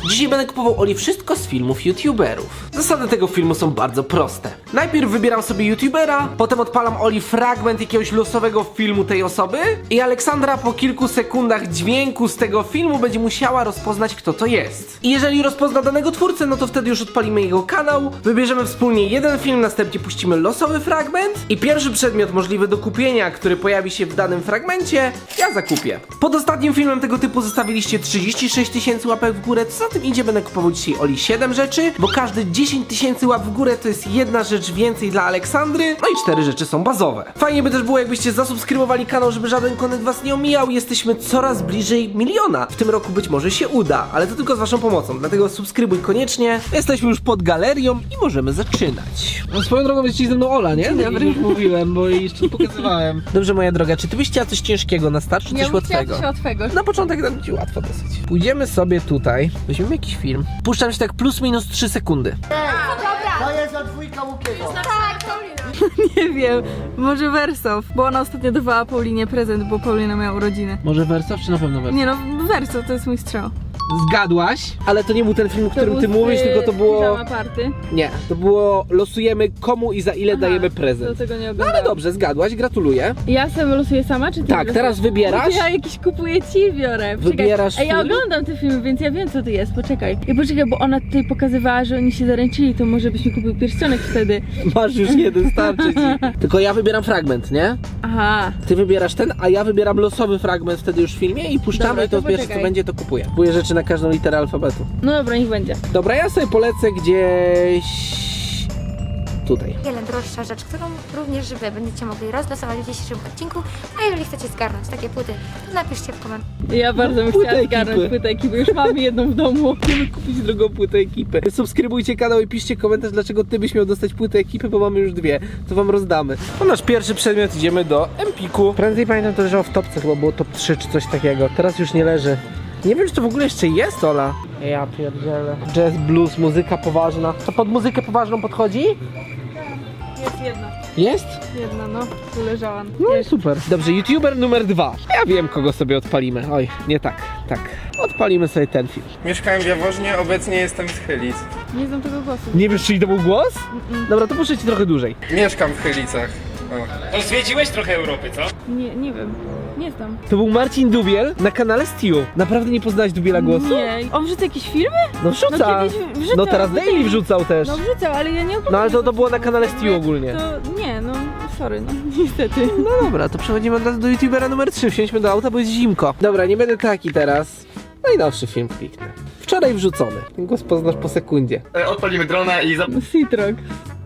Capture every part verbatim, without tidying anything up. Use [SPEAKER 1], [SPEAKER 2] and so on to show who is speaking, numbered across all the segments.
[SPEAKER 1] Dzisiaj będę kupował Oli wszystko z filmów youtuberów. Zasady tego filmu są bardzo proste. Najpierw wybieram sobie youtubera, potem odpalam Oli fragment jakiegoś losowego filmu tej osoby i Aleksandra po kilku sekundach dźwięku z tego filmu będzie musiała rozpoznać, kto to jest. I jeżeli rozpozna danego twórcę, no to wtedy już odpalimy jego kanał, wybierzemy wspólnie jeden film, następnie puścimy losowy fragment i pierwszy przedmiot możliwy do kupienia, który pojawi się w danym fragmencie, ja zakupię. Pod ostatnim filmem tego typu zostawiliście trzydzieści sześć tysięcy łapek w górę, co za tym idzie, będę kupował dzisiaj Oli siedem rzeczy, bo każdy dziesięć tysięcy łap w górę to jest jedna rzecz więcej dla Aleksandry, no i cztery rzeczy są bazowe. Fajnie by też było, jakbyście zasubskrybowali kanał, żeby żaden content was nie omijał. Jesteśmy coraz bliżej miliona. W tym roku być może się uda, ale to tylko z waszą pomocą, dlatego subskrybuj koniecznie. Jesteśmy już pod galerią i możemy zaczynać. No, swoją drogą jest ze mną Ola, nie?
[SPEAKER 2] Dobry.
[SPEAKER 1] Już mówiłem, bo jej jeszcze nie pokazywałem. Dobrze, moja droga, czy ty byś chciała coś ciężkiego na start, czy
[SPEAKER 2] Ja
[SPEAKER 1] coś
[SPEAKER 2] bym chciała
[SPEAKER 1] łatwego?
[SPEAKER 2] coś łatwego.
[SPEAKER 1] Na początek dam ci łatwo dosyć. Pójdziemy sobie tutaj, weźmiemy jakiś film. Puszczam się tak plus minus trzy sekundy.
[SPEAKER 3] To jest od dwójka Łukiego.
[SPEAKER 2] Nie wiem, może Wersow, bo ona ostatnio dawała Paulinie prezent, bo Paulina miała urodziny.
[SPEAKER 1] Może Wersow, czy na pewno Wersow?
[SPEAKER 2] Nie no, Wersow to jest mój strzał.
[SPEAKER 1] Zgadłaś, ale to nie był ten film, o którym ty mówisz, tylko to było...
[SPEAKER 2] Pijama Party.
[SPEAKER 1] Nie, to było losujemy komu i za ile
[SPEAKER 2] Aha,
[SPEAKER 1] dajemy
[SPEAKER 2] Do
[SPEAKER 1] prezent.
[SPEAKER 2] tego nie
[SPEAKER 1] No
[SPEAKER 2] oglądałam.
[SPEAKER 1] ale dobrze, zgadłaś, gratuluję.
[SPEAKER 2] Ja sobie losuję sama, czy ty?
[SPEAKER 1] Tak,
[SPEAKER 2] losujesz?
[SPEAKER 1] teraz wybierasz.
[SPEAKER 2] Ja jakiś kupuję ci biorę. Poczekaj.
[SPEAKER 1] Wybierasz
[SPEAKER 2] Ej, ja
[SPEAKER 1] film?
[SPEAKER 2] oglądam te filmy, więc ja wiem co to jest, poczekaj. I poczekaj, bo ona tutaj pokazywała, że oni się zaręczyli, to może byś mi kupił pierścionek wtedy.
[SPEAKER 1] Masz już jeden, starczy ci. Tylko ja wybieram fragment, nie?
[SPEAKER 2] Aha.
[SPEAKER 1] Ty wybierasz ten, a ja wybieram losowy fragment wtedy już w filmie i puszczamy
[SPEAKER 2] Dobra,
[SPEAKER 1] i to
[SPEAKER 2] to
[SPEAKER 1] pierwsze co
[SPEAKER 2] poczekaj.
[SPEAKER 1] będzie, to kupuję. Kupuję rzeczy na każdą literę alfabetu.
[SPEAKER 2] No dobra, niech będzie.
[SPEAKER 1] Dobra, ja sobie polecę gdzieś... tutaj.
[SPEAKER 4] Wiele droższa rzecz, którą również wy będziecie mogli rozlosować w dzisiejszym odcinku, a jeżeli chcecie zgarnąć takie płyty, to napiszcie w komentarzu.
[SPEAKER 2] Ja bardzo bym
[SPEAKER 1] Płytę
[SPEAKER 2] chciała
[SPEAKER 1] ekipy.
[SPEAKER 2] zgarnąć płytę ekipy, już mamy jedną w domu.
[SPEAKER 1] Chcemy kupić drugą płytę ekipy. Subskrybujcie kanał i piszcie komentarz, dlaczego ty byś miał dostać płytę ekipy, bo mamy już dwie. To wam rozdamy. To nasz pierwszy przedmiot, idziemy do Empiku. Prędzej pamiętam, to leżało w topce, chyba było top trzy czy coś takiego. Teraz już nie leży. Nie wiem, czy to w ogóle jeszcze jest, Ola. Ja pierdzielę. Jazz, blues, muzyka poważna. To pod muzykę poważną podchodzi?
[SPEAKER 2] Jest jedna.
[SPEAKER 1] Jest?
[SPEAKER 2] Jedna, no. Tu leżała.
[SPEAKER 1] No i super. Dobrze, youtuber numer dwa. Ja wiem, kogo sobie odpalimy. Oj, nie tak, tak. Odpalimy sobie ten film.
[SPEAKER 5] Mieszkałem w Jaworznie, obecnie jestem z Chylic.
[SPEAKER 2] Nie znam tego głosu.
[SPEAKER 1] Nie wiesz, czyj to był głos? Dobra, to puszczę ci trochę dłużej.
[SPEAKER 5] Mieszkam w Chylicach. O.
[SPEAKER 6] To zwiedziłeś trochę Europy, co?
[SPEAKER 2] Nie, nie wiem. Nie znam.
[SPEAKER 1] To był Marcin Dubiel na kanale Stew. Naprawdę nie poznałeś Dubiela głosu?
[SPEAKER 2] Nie. On wrzuca jakieś filmy?
[SPEAKER 1] No wrzuca.
[SPEAKER 2] No kiedyś wrzucał,
[SPEAKER 1] No teraz
[SPEAKER 2] no
[SPEAKER 1] Daily
[SPEAKER 2] tak.
[SPEAKER 1] wrzucał też.
[SPEAKER 2] No wrzucał, ale ja nie oglądam.
[SPEAKER 1] No ale to, to
[SPEAKER 2] tego
[SPEAKER 1] było na
[SPEAKER 2] filmu.
[SPEAKER 1] kanale
[SPEAKER 2] Jakby
[SPEAKER 1] Stew ogólnie.
[SPEAKER 2] To nie, no sorry, no niestety.
[SPEAKER 1] No dobra, to przechodzimy od razu do youtubera numer trzy. Wsiądźmy do auta, bo jest zimko. Dobra, nie będę taki teraz. Najnowszy film kliknę. Wczoraj wrzucony. Ten głos poznasz po sekundzie.
[SPEAKER 6] E, Odpalimy drona i za...
[SPEAKER 2] Citrox.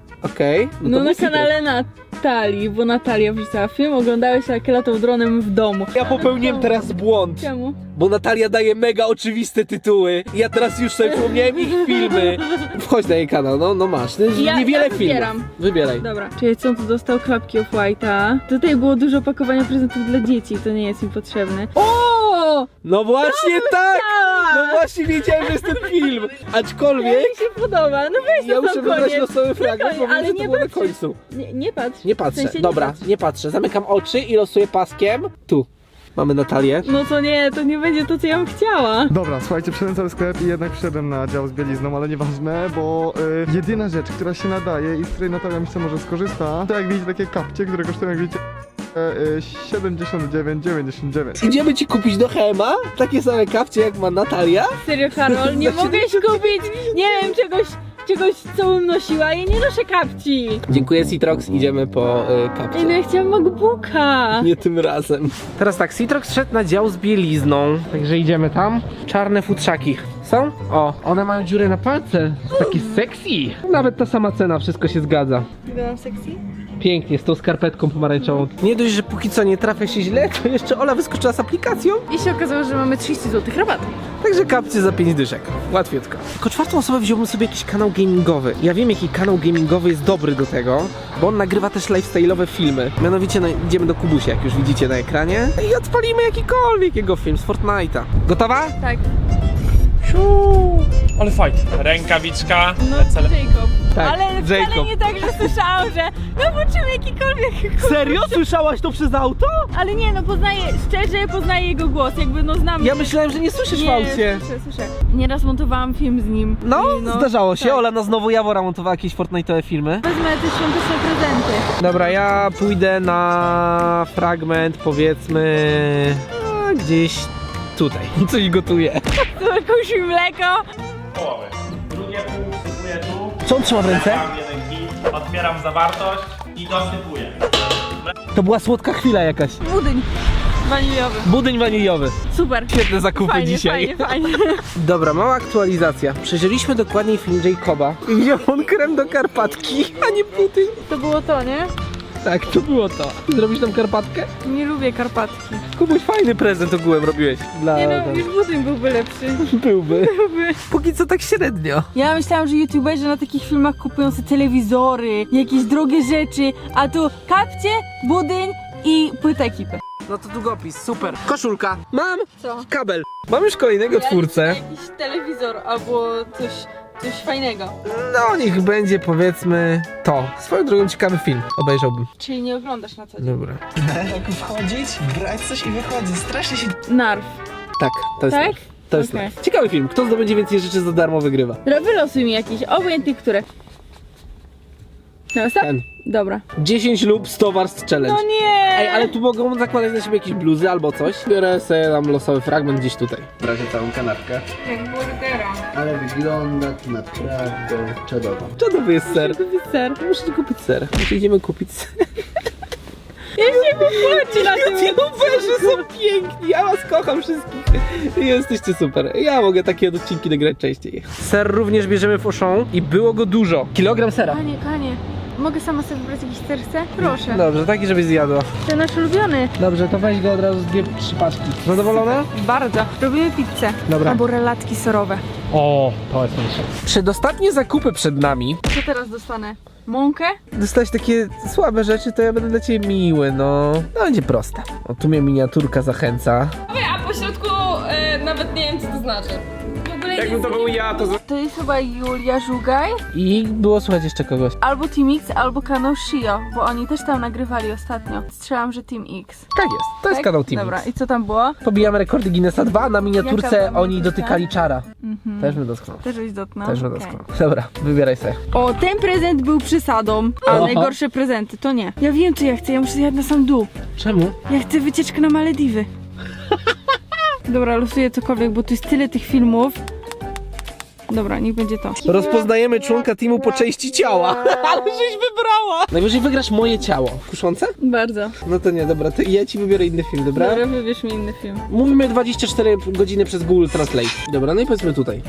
[SPEAKER 1] Okej.
[SPEAKER 2] No,
[SPEAKER 1] to
[SPEAKER 2] na
[SPEAKER 1] był Citrox.
[SPEAKER 2] kanale Natalii, bo Natalia wrzucała film, oglądałeś jak latał dronem w domu.
[SPEAKER 1] Ja popełniłem teraz błąd,
[SPEAKER 2] Czemu?
[SPEAKER 1] bo Natalia daje mega oczywiste tytuły. Ja teraz już sobie przypomniałem ich filmy. Wchodź na jej kanał, no, no masz. To jest
[SPEAKER 2] Ja-
[SPEAKER 1] niewiele
[SPEAKER 2] ja
[SPEAKER 1] filmów.
[SPEAKER 2] wybieram.
[SPEAKER 1] Wybieraj.
[SPEAKER 2] Dobra. Czyli co on tu dostał? Klapki of White'a. Tutaj było dużo pakowania prezentów dla dzieci, to nie jest im potrzebne. O!
[SPEAKER 1] No właśnie tak!
[SPEAKER 2] chciała!
[SPEAKER 1] No właśnie wiedziałem, że jest ten film.
[SPEAKER 2] Ja
[SPEAKER 1] Aczkolwiek
[SPEAKER 2] mi się podoba, no weź
[SPEAKER 1] ja
[SPEAKER 2] to
[SPEAKER 1] muszę
[SPEAKER 2] sam
[SPEAKER 1] wybrać
[SPEAKER 2] koniec.
[SPEAKER 1] losowy fragment, bo
[SPEAKER 2] Ale
[SPEAKER 1] wiem, że to
[SPEAKER 2] nie
[SPEAKER 1] było na
[SPEAKER 2] patrz.
[SPEAKER 1] końcu.
[SPEAKER 2] Nie, nie patrz.
[SPEAKER 1] Nie patrzę,
[SPEAKER 2] W sensie nie
[SPEAKER 1] dobra,
[SPEAKER 2] patrz.
[SPEAKER 1] nie patrzę. Zamykam oczy i losuję paskiem. Tu. Mamy Natalię.
[SPEAKER 2] No to nie, to nie będzie to, co ja bym chciała.
[SPEAKER 7] Dobra, słuchajcie, przyszedłem cały sklep i jednak przyszedłem na dział z bielizną, ale nieważne, bo y, jedyna rzecz, która się nadaje i z której Natalia myślę może skorzysta, to jak widzicie takie kapcie, które kosztują jak widzicie y, siedemdziesiąt dziewięć dziewięćdziesiąt dziewięć.
[SPEAKER 1] Idziemy ci kupić do Hema takie same kapcie jak ma Natalia.
[SPEAKER 2] Serio, Karol, nie
[SPEAKER 1] Za
[SPEAKER 2] mogę kupić, nie wiem, czegoś, czegoś, co bym nosiła. Ja nie noszę kapci.
[SPEAKER 1] Dziękuję Citrox, idziemy po y, kapcie.
[SPEAKER 2] Ej, no ja chciałam MacBooka.
[SPEAKER 1] Nie tym razem. Teraz tak, Citrox szedł na dział z bielizną, także idziemy tam. Czarne futrzaki. Są? O, one mają dziurę na palce. Taki sexy. Nawet ta sama cena, wszystko się zgadza.
[SPEAKER 2] Wyglądam sexy?
[SPEAKER 1] Pięknie, z tą skarpetką pomarańczową. Nie dość, że póki co nie trafia się źle, to jeszcze Ola wyskoczyła z aplikacją.
[SPEAKER 2] I się okazało, że mamy trzydzieści złotych rabatu.
[SPEAKER 1] Także kapcie za pięć dyszek. Łatwiutko. Jako czwartą osobę wziąłbym sobie jakiś kanał gamingowy. Ja wiem, jaki kanał gamingowy jest dobry do tego, bo on nagrywa też lifestyle'owe filmy. Mianowicie no, idziemy do Kubusia, jak już widzicie na ekranie. I odpalimy jakikolwiek jego film z Fortnite'a. Gotowa?
[SPEAKER 2] Tak.
[SPEAKER 6] Ale fajnie. Rękawiczka.
[SPEAKER 2] No,
[SPEAKER 6] Lecele.
[SPEAKER 2] Jacob.
[SPEAKER 1] Tak,
[SPEAKER 2] Ale wcale
[SPEAKER 1] Jacob.
[SPEAKER 2] nie tak, że słyszałam, że no poczułem jakikolwiek.
[SPEAKER 1] Serio? Słyszałaś to przez auto?
[SPEAKER 2] Ale nie, no poznaję, szczerze poznaję jego głos, jakby no znam.
[SPEAKER 1] Ja myślałem, że nie słyszysz w
[SPEAKER 2] Nie,
[SPEAKER 1] aucie.
[SPEAKER 2] słyszę, słyszę. Nieraz montowałam film z nim.
[SPEAKER 1] No,
[SPEAKER 2] I
[SPEAKER 1] zdarzało się.
[SPEAKER 2] tak.
[SPEAKER 1] Ola na znowu Jawora montowała jakieś Fortnite'owe filmy.
[SPEAKER 2] Wezmę te świąteczne prezenty.
[SPEAKER 1] Dobra, ja pójdę na fragment, powiedzmy, a, gdzieś tutaj. Coś gotuję.
[SPEAKER 2] Tu jakąś mleko.
[SPEAKER 8] Połowy. Drugie pół wsypuję tu.
[SPEAKER 1] Co on trzyma w ręce?
[SPEAKER 8] Wlewam jeden kit, otwieram zawartość i dosypuję.
[SPEAKER 1] To była słodka chwila jakaś.
[SPEAKER 2] Budyń waniliowy.
[SPEAKER 1] Budyń waniliowy.
[SPEAKER 2] Super.
[SPEAKER 1] Świetne zakupy
[SPEAKER 2] Fajnie,
[SPEAKER 1] dzisiaj.
[SPEAKER 2] fajnie, fajnie.
[SPEAKER 1] Dobra, mała aktualizacja. Przejrzeliśmy dokładniej film Jacoba. I wziął on krem do Karpatki, a nie budyń.
[SPEAKER 2] To było to, nie?
[SPEAKER 1] Tak, to było to. Zrobisz tam Karpatkę?
[SPEAKER 2] Nie lubię Karpatki.
[SPEAKER 1] Kubuś, fajny prezent ogółem robiłeś. Dla
[SPEAKER 2] Nie no,
[SPEAKER 1] ten-
[SPEAKER 2] już budyń byłby lepszy.
[SPEAKER 1] Byłby.
[SPEAKER 2] Byłby.
[SPEAKER 1] Póki co tak średnio.
[SPEAKER 2] Ja myślałam, że youtuberzy na takich filmach kupują sobie telewizory, jakieś drogie rzeczy, a tu kapcie, budyń i płyta ekipy.
[SPEAKER 1] No to długopis, super. Koszulka. Mam
[SPEAKER 2] Co?
[SPEAKER 1] kabel. Mam już kolejnego twórcę.
[SPEAKER 2] Jakiś telewizor albo coś, coś fajnego.
[SPEAKER 1] No niech będzie powiedzmy to. Swoją drogą ciekawy film. Obejrzałbym.
[SPEAKER 2] Czyli nie oglądasz na co dzień.
[SPEAKER 1] Dobra.
[SPEAKER 9] Jak wchodzić, brać coś i wychodzić. Strasznie się...
[SPEAKER 2] Narw.
[SPEAKER 1] Tak, to jest
[SPEAKER 2] Tak?
[SPEAKER 1] live. To jest
[SPEAKER 2] Okej.
[SPEAKER 1] live. Ciekawy film. Kto zdobędzie więcej rzeczy za darmo wygrywa.
[SPEAKER 2] Dobra, wylosuj mi jakiś, obojętnie które. No, stop?
[SPEAKER 1] Ten.
[SPEAKER 2] Dobra.
[SPEAKER 1] dziesięć lub sto warstw challenge.
[SPEAKER 2] No nie!
[SPEAKER 1] Ej, ale tu mogą zakładać na siebie jakieś bluzy albo coś. Biorę sobie tam losowy fragment gdzieś tutaj.
[SPEAKER 3] Brać całą kanapkę.
[SPEAKER 2] Jak burgera.
[SPEAKER 3] Ale wygląda to naprawdę czadowo.
[SPEAKER 1] Czadowy jest ser.
[SPEAKER 2] Ser.
[SPEAKER 1] Muszę kupić ser. Muszę idziemy kupić ser.
[SPEAKER 2] Ja się popłaci na tym.
[SPEAKER 1] YouTuberzy są piękni, ja was kocham wszystkich. Jesteście super. Ja mogę takie odcinki nagrać częściej. Ser również bierzemy w Auchan i było go dużo. Kilogram sera.
[SPEAKER 2] Kanie, kanie. Mogę sama sobie wybrać jakiś serce? Proszę.
[SPEAKER 1] Dobrze, taki żebyś zjadła.
[SPEAKER 2] To nasz ulubiony.
[SPEAKER 1] Dobrze, to weź go od razu z dwie, trzy paczki. Zadowolona?
[SPEAKER 2] Bardzo. Robimy pizzę.
[SPEAKER 1] Dobra.
[SPEAKER 2] Albo relatki serowe.
[SPEAKER 1] O, to jest najlepsze. Przedostatnie zakupy przed nami.
[SPEAKER 2] Co teraz dostanę? Mąkę?
[SPEAKER 1] Dostałeś takie słabe rzeczy, to ja będę dla ciebie miły, no. No będzie proste. O, tu mnie miniaturka zachęca.
[SPEAKER 10] A po środku e, nawet nie wiem co to znaczy. W ogóle
[SPEAKER 5] Jakbym to był ja, to...
[SPEAKER 2] To jest chyba Julia Żugaj.
[SPEAKER 1] I było słuchać jeszcze kogoś.
[SPEAKER 2] Albo Team X, albo kanał Shio, bo oni też tam nagrywali ostatnio. Strzelam, że Team X.
[SPEAKER 1] Tak jest, to jest
[SPEAKER 2] Tak?
[SPEAKER 1] kanał Team
[SPEAKER 2] Dobra,
[SPEAKER 1] X.
[SPEAKER 2] i co tam było?
[SPEAKER 1] Pobijamy rekordy Guinnessa dwa, a na miniaturce
[SPEAKER 2] Jaka była
[SPEAKER 1] oni
[SPEAKER 2] miniaturka?
[SPEAKER 1] dotykali czara.
[SPEAKER 2] Mhm.
[SPEAKER 1] Też bym dotknął.
[SPEAKER 2] Też byś dotknął?
[SPEAKER 1] Też bym
[SPEAKER 2] Okej.
[SPEAKER 1] dotknął. Dobra, wybieraj sobie.
[SPEAKER 2] O, ten prezent był przesadą, a
[SPEAKER 1] Oho.
[SPEAKER 2] najgorsze prezenty to nie. Ja wiem co ja chcę, ja muszę zjadać na sam dół.
[SPEAKER 1] Czemu?
[SPEAKER 2] Ja chcę wycieczkę na Malediwy. Dobra, losuję cokolwiek, bo tu jest tyle tych filmów. Dobra, niech będzie to.
[SPEAKER 1] Rozpoznajemy członka teamu po części ciała. Ale żeś wybrała! Najwyżej wygrasz moje ciało. Kuszące?
[SPEAKER 2] Bardzo.
[SPEAKER 1] No to nie, dobra, to ja ci wybiorę inny film, dobra?
[SPEAKER 2] Dobra, wybierz mi inny film.
[SPEAKER 1] Mówimy dwadzieścia cztery godziny przez Google Translate. Dobra, no i powiedzmy tutaj.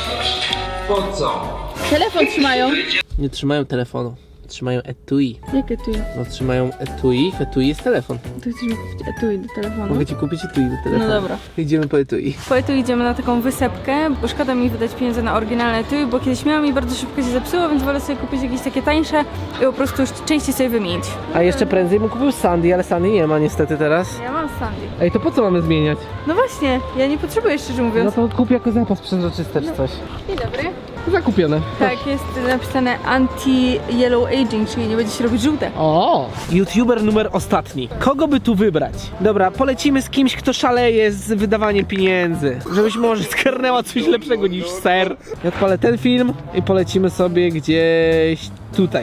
[SPEAKER 2] Telefon trzymają.
[SPEAKER 1] Nie trzymają telefonu. Trzymają etui.
[SPEAKER 2] Jakie tu jest?
[SPEAKER 1] No trzymają etui, w etui jest telefon.
[SPEAKER 2] To chcesz mi kupić etui do telefonu?
[SPEAKER 1] Mogę ci kupić etui do telefonu.
[SPEAKER 2] No dobra.
[SPEAKER 1] Idziemy po etui.
[SPEAKER 2] Po etui idziemy na taką wysepkę, bo szkoda mi wydać pieniądze na oryginalne etui, bo kiedyś miałam i bardzo szybko się zepsuło, więc wolę sobie kupić jakieś takie tańsze i po prostu już częściej sobie wymienić.
[SPEAKER 1] A jeszcze prędzej bym kupił Sandy, ale Sandy nie ma niestety teraz.
[SPEAKER 2] Ja mam Sandy.
[SPEAKER 1] Ej, to po co mamy zmieniać?
[SPEAKER 2] No właśnie, ja nie potrzebuję szczerze
[SPEAKER 1] No
[SPEAKER 2] mówiąc.
[SPEAKER 1] to kup jako zapas przezroczysty czy coś.
[SPEAKER 2] Dzień dobry.
[SPEAKER 1] Zakupione.
[SPEAKER 2] Tak, jest napisane anti-yellow aging, czyli nie będzie się robić żółte.
[SPEAKER 1] O! YouTuber numer ostatni. Kogo by tu wybrać? Dobra, polecimy z kimś, kto szaleje z wydawaniem pieniędzy. Żebyś może skarnęła coś lepszego niż ser. Ja odpalę ten film i polecimy sobie gdzieś tutaj.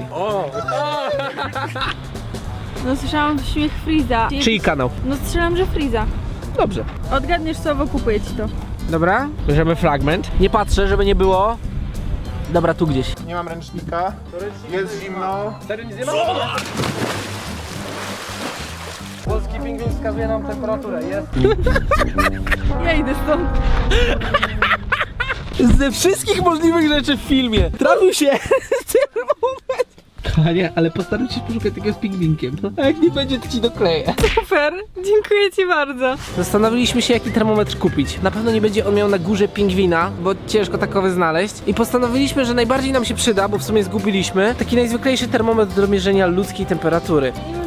[SPEAKER 2] No słyszałam śmiech Freeza.
[SPEAKER 1] Czyj kanał?
[SPEAKER 2] No strzelam, że Freeza.
[SPEAKER 1] Dobrze.
[SPEAKER 2] Odgadniesz słowo, kupuję ci to.
[SPEAKER 1] Dobra, bierzemy fragment. Nie patrzę, żeby nie było. Dobra, tu gdzieś.
[SPEAKER 7] Nie mam ręcznika. Jest zimno.
[SPEAKER 1] Polski pingwin wskazuje nam temperaturę, jest.
[SPEAKER 2] Ja idę stąd.
[SPEAKER 1] Ze wszystkich możliwych rzeczy w filmie trafił się termometr. Kochanie, ale postaram się poszukać takiego z pingwinkiem. A jak nie będzie, to ci dokleję.
[SPEAKER 2] Super, dziękuję ci bardzo.
[SPEAKER 1] Zastanowiliśmy się, jaki termometr kupić. Na pewno nie będzie on miał na górze pingwina, bo ciężko takowy znaleźć. I postanowiliśmy, że najbardziej nam się przyda, bo w sumie zgubiliśmy, taki najzwyklejszy termometr do mierzenia ludzkiej temperatury.
[SPEAKER 2] Nie wiem, czy to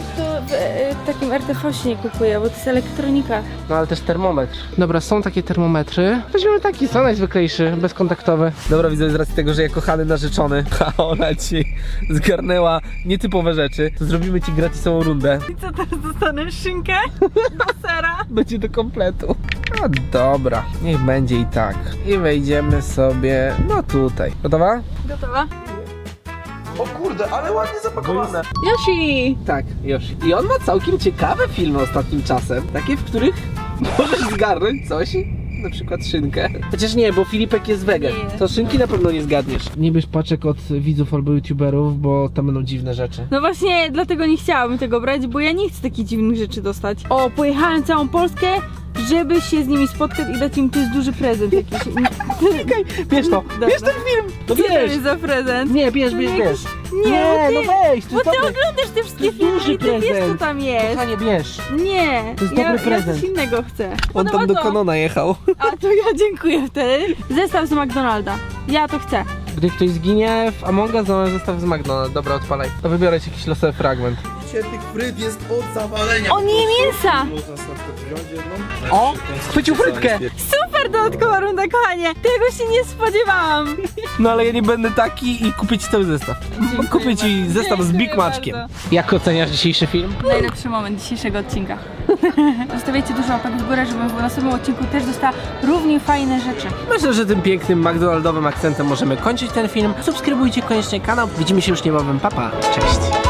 [SPEAKER 2] w e, takim R T V się nie kupuje, bo to jest elektronika.
[SPEAKER 1] No ale też termometr. Dobra, są takie termometry. Weźmiemy taki, co najzwyklejszy, bezkontaktowy. Dobra, widzę z racji tego, że ja kochany narzeczony, a ona ci zgarnęła nietypowe rzeczy, to zrobimy ci gratisową rundę.
[SPEAKER 2] I co teraz dostanę? Szynkę? Do sera?
[SPEAKER 1] Będzie do kompletu. No dobra, niech będzie i tak. I wejdziemy sobie, no tutaj. Gotowa?
[SPEAKER 2] Gotowa?
[SPEAKER 9] O kurde, ale ładnie zapakowane.
[SPEAKER 2] Yoshi!
[SPEAKER 1] Tak, już. I on ma całkiem ciekawe filmy ostatnim czasem. Takie, w których możesz zgarnąć coś. Na przykład szynkę. Chociaż nie, bo Filipek jest wegan.
[SPEAKER 2] Nie.
[SPEAKER 1] To szynki na pewno nie zgadniesz. Nie bierz paczek od widzów albo youtuberów, bo tam będą dziwne rzeczy.
[SPEAKER 2] No właśnie, dlatego nie chciałabym tego brać, bo ja nie chcę takich dziwnych rzeczy dostać. O, pojechałem całą Polskę, żeby się z nimi spotkać i dać im, to jest duży prezent jakiś.
[SPEAKER 1] Czekaj, bierz to,
[SPEAKER 2] Dobra.
[SPEAKER 1] bierz ten film! No
[SPEAKER 2] Co to
[SPEAKER 1] bierz!
[SPEAKER 2] jest za prezent?
[SPEAKER 1] Nie, bierz, bierz, bierz.
[SPEAKER 2] Nie,
[SPEAKER 1] Nie,
[SPEAKER 2] ty,
[SPEAKER 1] no weź, to
[SPEAKER 2] bo
[SPEAKER 1] jest
[SPEAKER 2] ty
[SPEAKER 1] dobry.
[SPEAKER 2] oglądasz te wszystkie
[SPEAKER 1] jest
[SPEAKER 2] filmy
[SPEAKER 1] duży
[SPEAKER 2] i ty wiesz, co
[SPEAKER 1] prezent.
[SPEAKER 2] tam jest.
[SPEAKER 1] Kochanie, bierz.
[SPEAKER 2] Nie,
[SPEAKER 1] To jest
[SPEAKER 2] ja,
[SPEAKER 1] dobry prezent.
[SPEAKER 2] ja coś innego chcę.
[SPEAKER 1] On
[SPEAKER 2] Podoba
[SPEAKER 1] tam do
[SPEAKER 2] to.
[SPEAKER 1] Kanona jechał.
[SPEAKER 2] A to ja dziękuję wtedy. Zestaw z McDonalda. Ja to chcę.
[SPEAKER 1] Gdy ktoś zginie w Among Us, to zestaw z McDonald's. Dobra, odpalaj. To wybiorę ci jakiś losowy fragment.
[SPEAKER 9] Tych fryt jest od zawalenia.
[SPEAKER 2] O, nie mięsa!
[SPEAKER 1] O! Chwycił frytkę!
[SPEAKER 2] Super dodatkowa runda, kochanie. Tego się nie spodziewałam.
[SPEAKER 1] No ale ja nie będę taki i kupię ci cały zestaw. Kupię ci zestaw z Big Maczkiem. Jak oceniasz dzisiejszy film?
[SPEAKER 2] Najlepszy moment dzisiejszego odcinka. Zostawiajcie dużo łapek w górę, żebym w następnym odcinku też dostała równie fajne rzeczy.
[SPEAKER 1] Myślę, że tym pięknym McDonaldowym akcentem możemy kończyć ten film. Subskrybujcie koniecznie kanał. Widzimy się już niebawem. Pa, pa. Cześć.